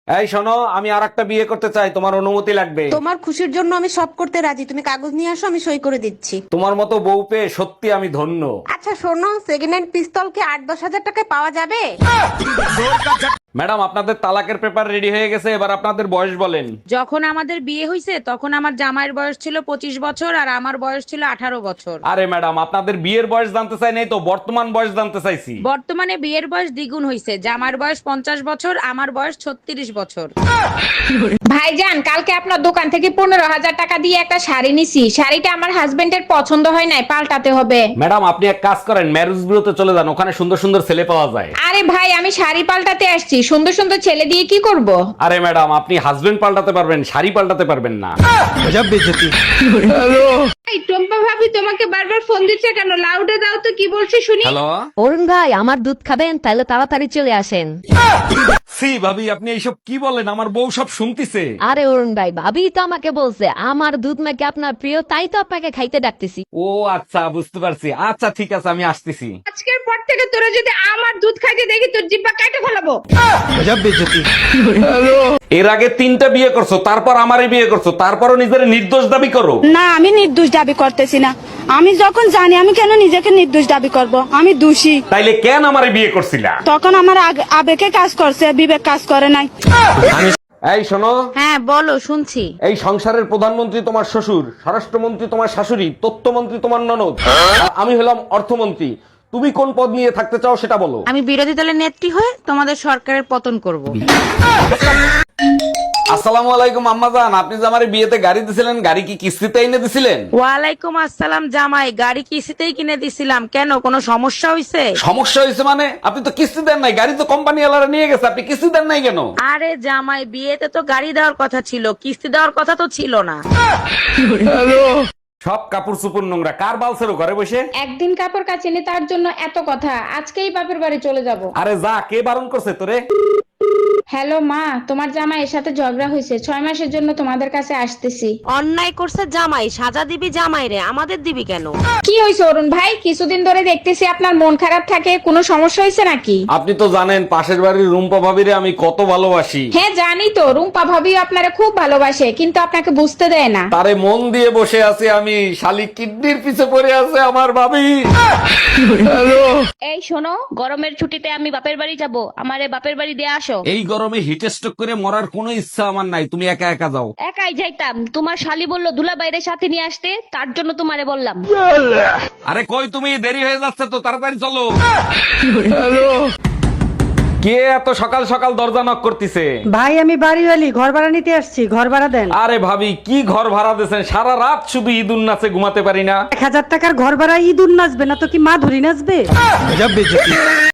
এই শোনো, আমি আর একটা বিয়ে করতে চাই, তোমার অনুমতি লাগবে। তোমার খুশির জন্য আমি সব করতে রাজি, তুমি কাগজ নিয়ে আসো, আমি সই করে দিচ্ছি। তোমার মতো বউ পেয়ে সত্যি আমি ধন্য। আচ্ছা শোনো, সেকেন্ড হ্যান্ড পিস্তল কি 8-10 হাজার টাকায় পাওয়া যাবে? ম্যাডাম, আপনাদের তালাকের পেপার রেডি হয়ে গেছে, এবার আপনাদের বয়স বলেন। যখন আমাদের বিয়ে হয়েছে তখন আমার জামাইয়ের বয়স ছিল 25 বছর আর আমার বয়স ছিল 18 বছর। আরে ম্যাডাম, আপনাদের বিয়ের বয়স জানতে চাই নাই তো, বর্তমান বয়স জানতে চাইছি। বর্তমানে বিয়ের বয়স দ্বিগুণ হয়েছে, জামার বয়স 50 বছর, আমার বয়স 36 বছর। ভাইজান, কালকে আপনার দোকান থেকে 15,000 টাকা দিয়ে একটা শাড়ি নিছি, শাড়িটা আমার হাজবেন্ডের পছন্দ হয় নাই, পাল্টাতে হবে। ম্যাডাম, আপনি এক কাজ করেন, ম্যারেজ বিউরোতে চলে যান, ওখানে সুন্দর সুন্দর ছেলে পাওয়া যায়। আরে ভাই, আমি শাড়ি পাল্টাতে আসছি, সুন্দর সুন্দর ছেলে দিয়ে কি করব? আরে ম্যাডাম, আপনি হাজবেন্ড পাল্টাতে পারবেন, শাড়ি পাল্টাতে পারবেন না। এই টম্পা ভাবি তোমাকে বারবার ফোন দিচ্ছে কেন? লাউডে দাও তো, কি বলছে শুনি। হ্যালো। অরুণ ভাই, আমার দুধ খাবেন? তাহলে তাড়াতাড়ি চলে আসেন। সি ভাবি, আপনি এইসব কি বলেন? আমার বউ সব শুনতিছে। আরে অরুণ ভাই, ভাবি তো আমাকে বলছে আমার দুধ নাকি আপনার প্রিয়, তাই তো আপনাকে খাইতে ডাকতেছি। ও আচ্ছা, বুঝতে পারছি। আচ্ছা ঠিক আছে, আমি আসতেছি। আজকের পর থেকে তোরা যদি আমার দুধ খাইতে দেখি তোর জিব্বা কাটে ফেলাবো। এর আগে 3টা বিয়ে করছো, তারপর আমারই বিয়ে করছো, তারপরও নিজের নির্দোষ দাবি করো। না, আমি নির্দোষ দাবি করতেছি না। আমি যখন জানি, আমি কেন নিজেকে নির্দোষ দাবি করব? আমি দোষী। তাইলে কেন আমারে বিয়ে করছিলা? তখন আমার আবেগে কাজ করছে, বিবেক কাজ করে নাই। এই শোনো, হ্যাঁ বলো, শুনছি। এই সংসারের প্রধানমন্ত্রী তোমার শ্বশুর, স্বরাষ্ট্রমন্ত্রী তোমার শাশুড়ি, তথ্যমন্ত্রী তোমার ননদ, আর আমি হলাম অর্থমন্ত্রী। তুমি কোন পদ নিয়ে থাকতে চাও সেটা বলো। আমি বিরোধী দলের নেত্রী হয়ে তোমাদের সরকারের পতন করব। আসসালামু আলাইকুম আম্মাজান, আপনি যে আমারে বিয়েতে গাড়ি দিছিলেন, গাড়ি কি কিস্তিতে এনে দিছিলেন? ওয়ালাইকুম আসসালাম জামাই, গাড়ি কিস্তিতেই কিনে দিছিলাম, কেন কোনো সমস্যা হয়েছে? সমস্যা হয়েছে মানে? আপনি তো কিস্তি দেন নাই, গাড়ি তো কোম্পানি ওয়ালারা নিয়ে গেছে, আপনি কিস্তি দেন নাই কেন? আরে জামাই, বিয়েতে তো গাড়ি দেওয়ার কথা ছিল, কিস্তি দেওয়ার কথা তো ছিল না। সব কাপড় চোপড় নোংরা, কার বালছেরো ঘরে বসে? একদিন কাপড় কাচিনি তার জন্য এত কথা, আজকেই বাপের বাড়ি চলে যাব। আরে যা, কে বারণ করছে তোরে? হ্যালো মা, তোমার জামাইয়ের সাথে ঝগড়া হয়েছে, 6 মাসের জন্য তোমাদের কাছে আসতেছি। অন্যায় করছে জামাই, সাজা দিবি জামাই রে, আমাদের দিবি কেন? কি হয়েছে অরুণ ভাই? কিছুদিন ধরে দেখতেছি আপনার মন খারাপ থাকে, কোনো সমস্যা হয়েছে নাকি? আপনি তো জানেন পাশের বাড়ির রুম্পা ভাবিরে আমি কত ভালোবাসি। হ্যাঁ জানি তো, রুম্পা ভাবিও আপনারা খুব ভালোবাসে, কিন্তু আপনাকে বুঝতে দেয় না। তারে মন দিয়ে বসে আছি আমি, শালি কিডনির পিছে পড়ে আছে আমার ভাবি। এই শোনো, গরমের ছুটিতে আমি বাপের বাড়ি যাব, আমারে বাপের বাড়ি দিয়ে আসো। এই গরমে হিট স্ট্রোক করে মরার কোনো ইচ্ছা আমার নাই, তুমি একা একা যাও। একাই যাইতাম, তোমার শালি বললো দুলা বাইরে সাথে নিয়ে আসতে, তার জন্য তোমারে বললাম। আরে কই তুমি, দেরি হয়ে যাচ্ছে তো, তাড়াতাড়ি চলো। কে এত সকাল সকাল দরজা নক করতেছে? ভাই আমি বাড়িওয়ালি, ঘর ভাড়া নিতে আসছি, ঘর ভাড়া দেন। আরে ভাবি, কি ঘর ভাড়া দিয়েছেন? সারা রাত শুধু ঈদুন নাচে ঘুমাতে পারি না। 1000 টাকার ঘর ভাড়া ঈদ নাচবে না তো কি মা ধরি নাচবে?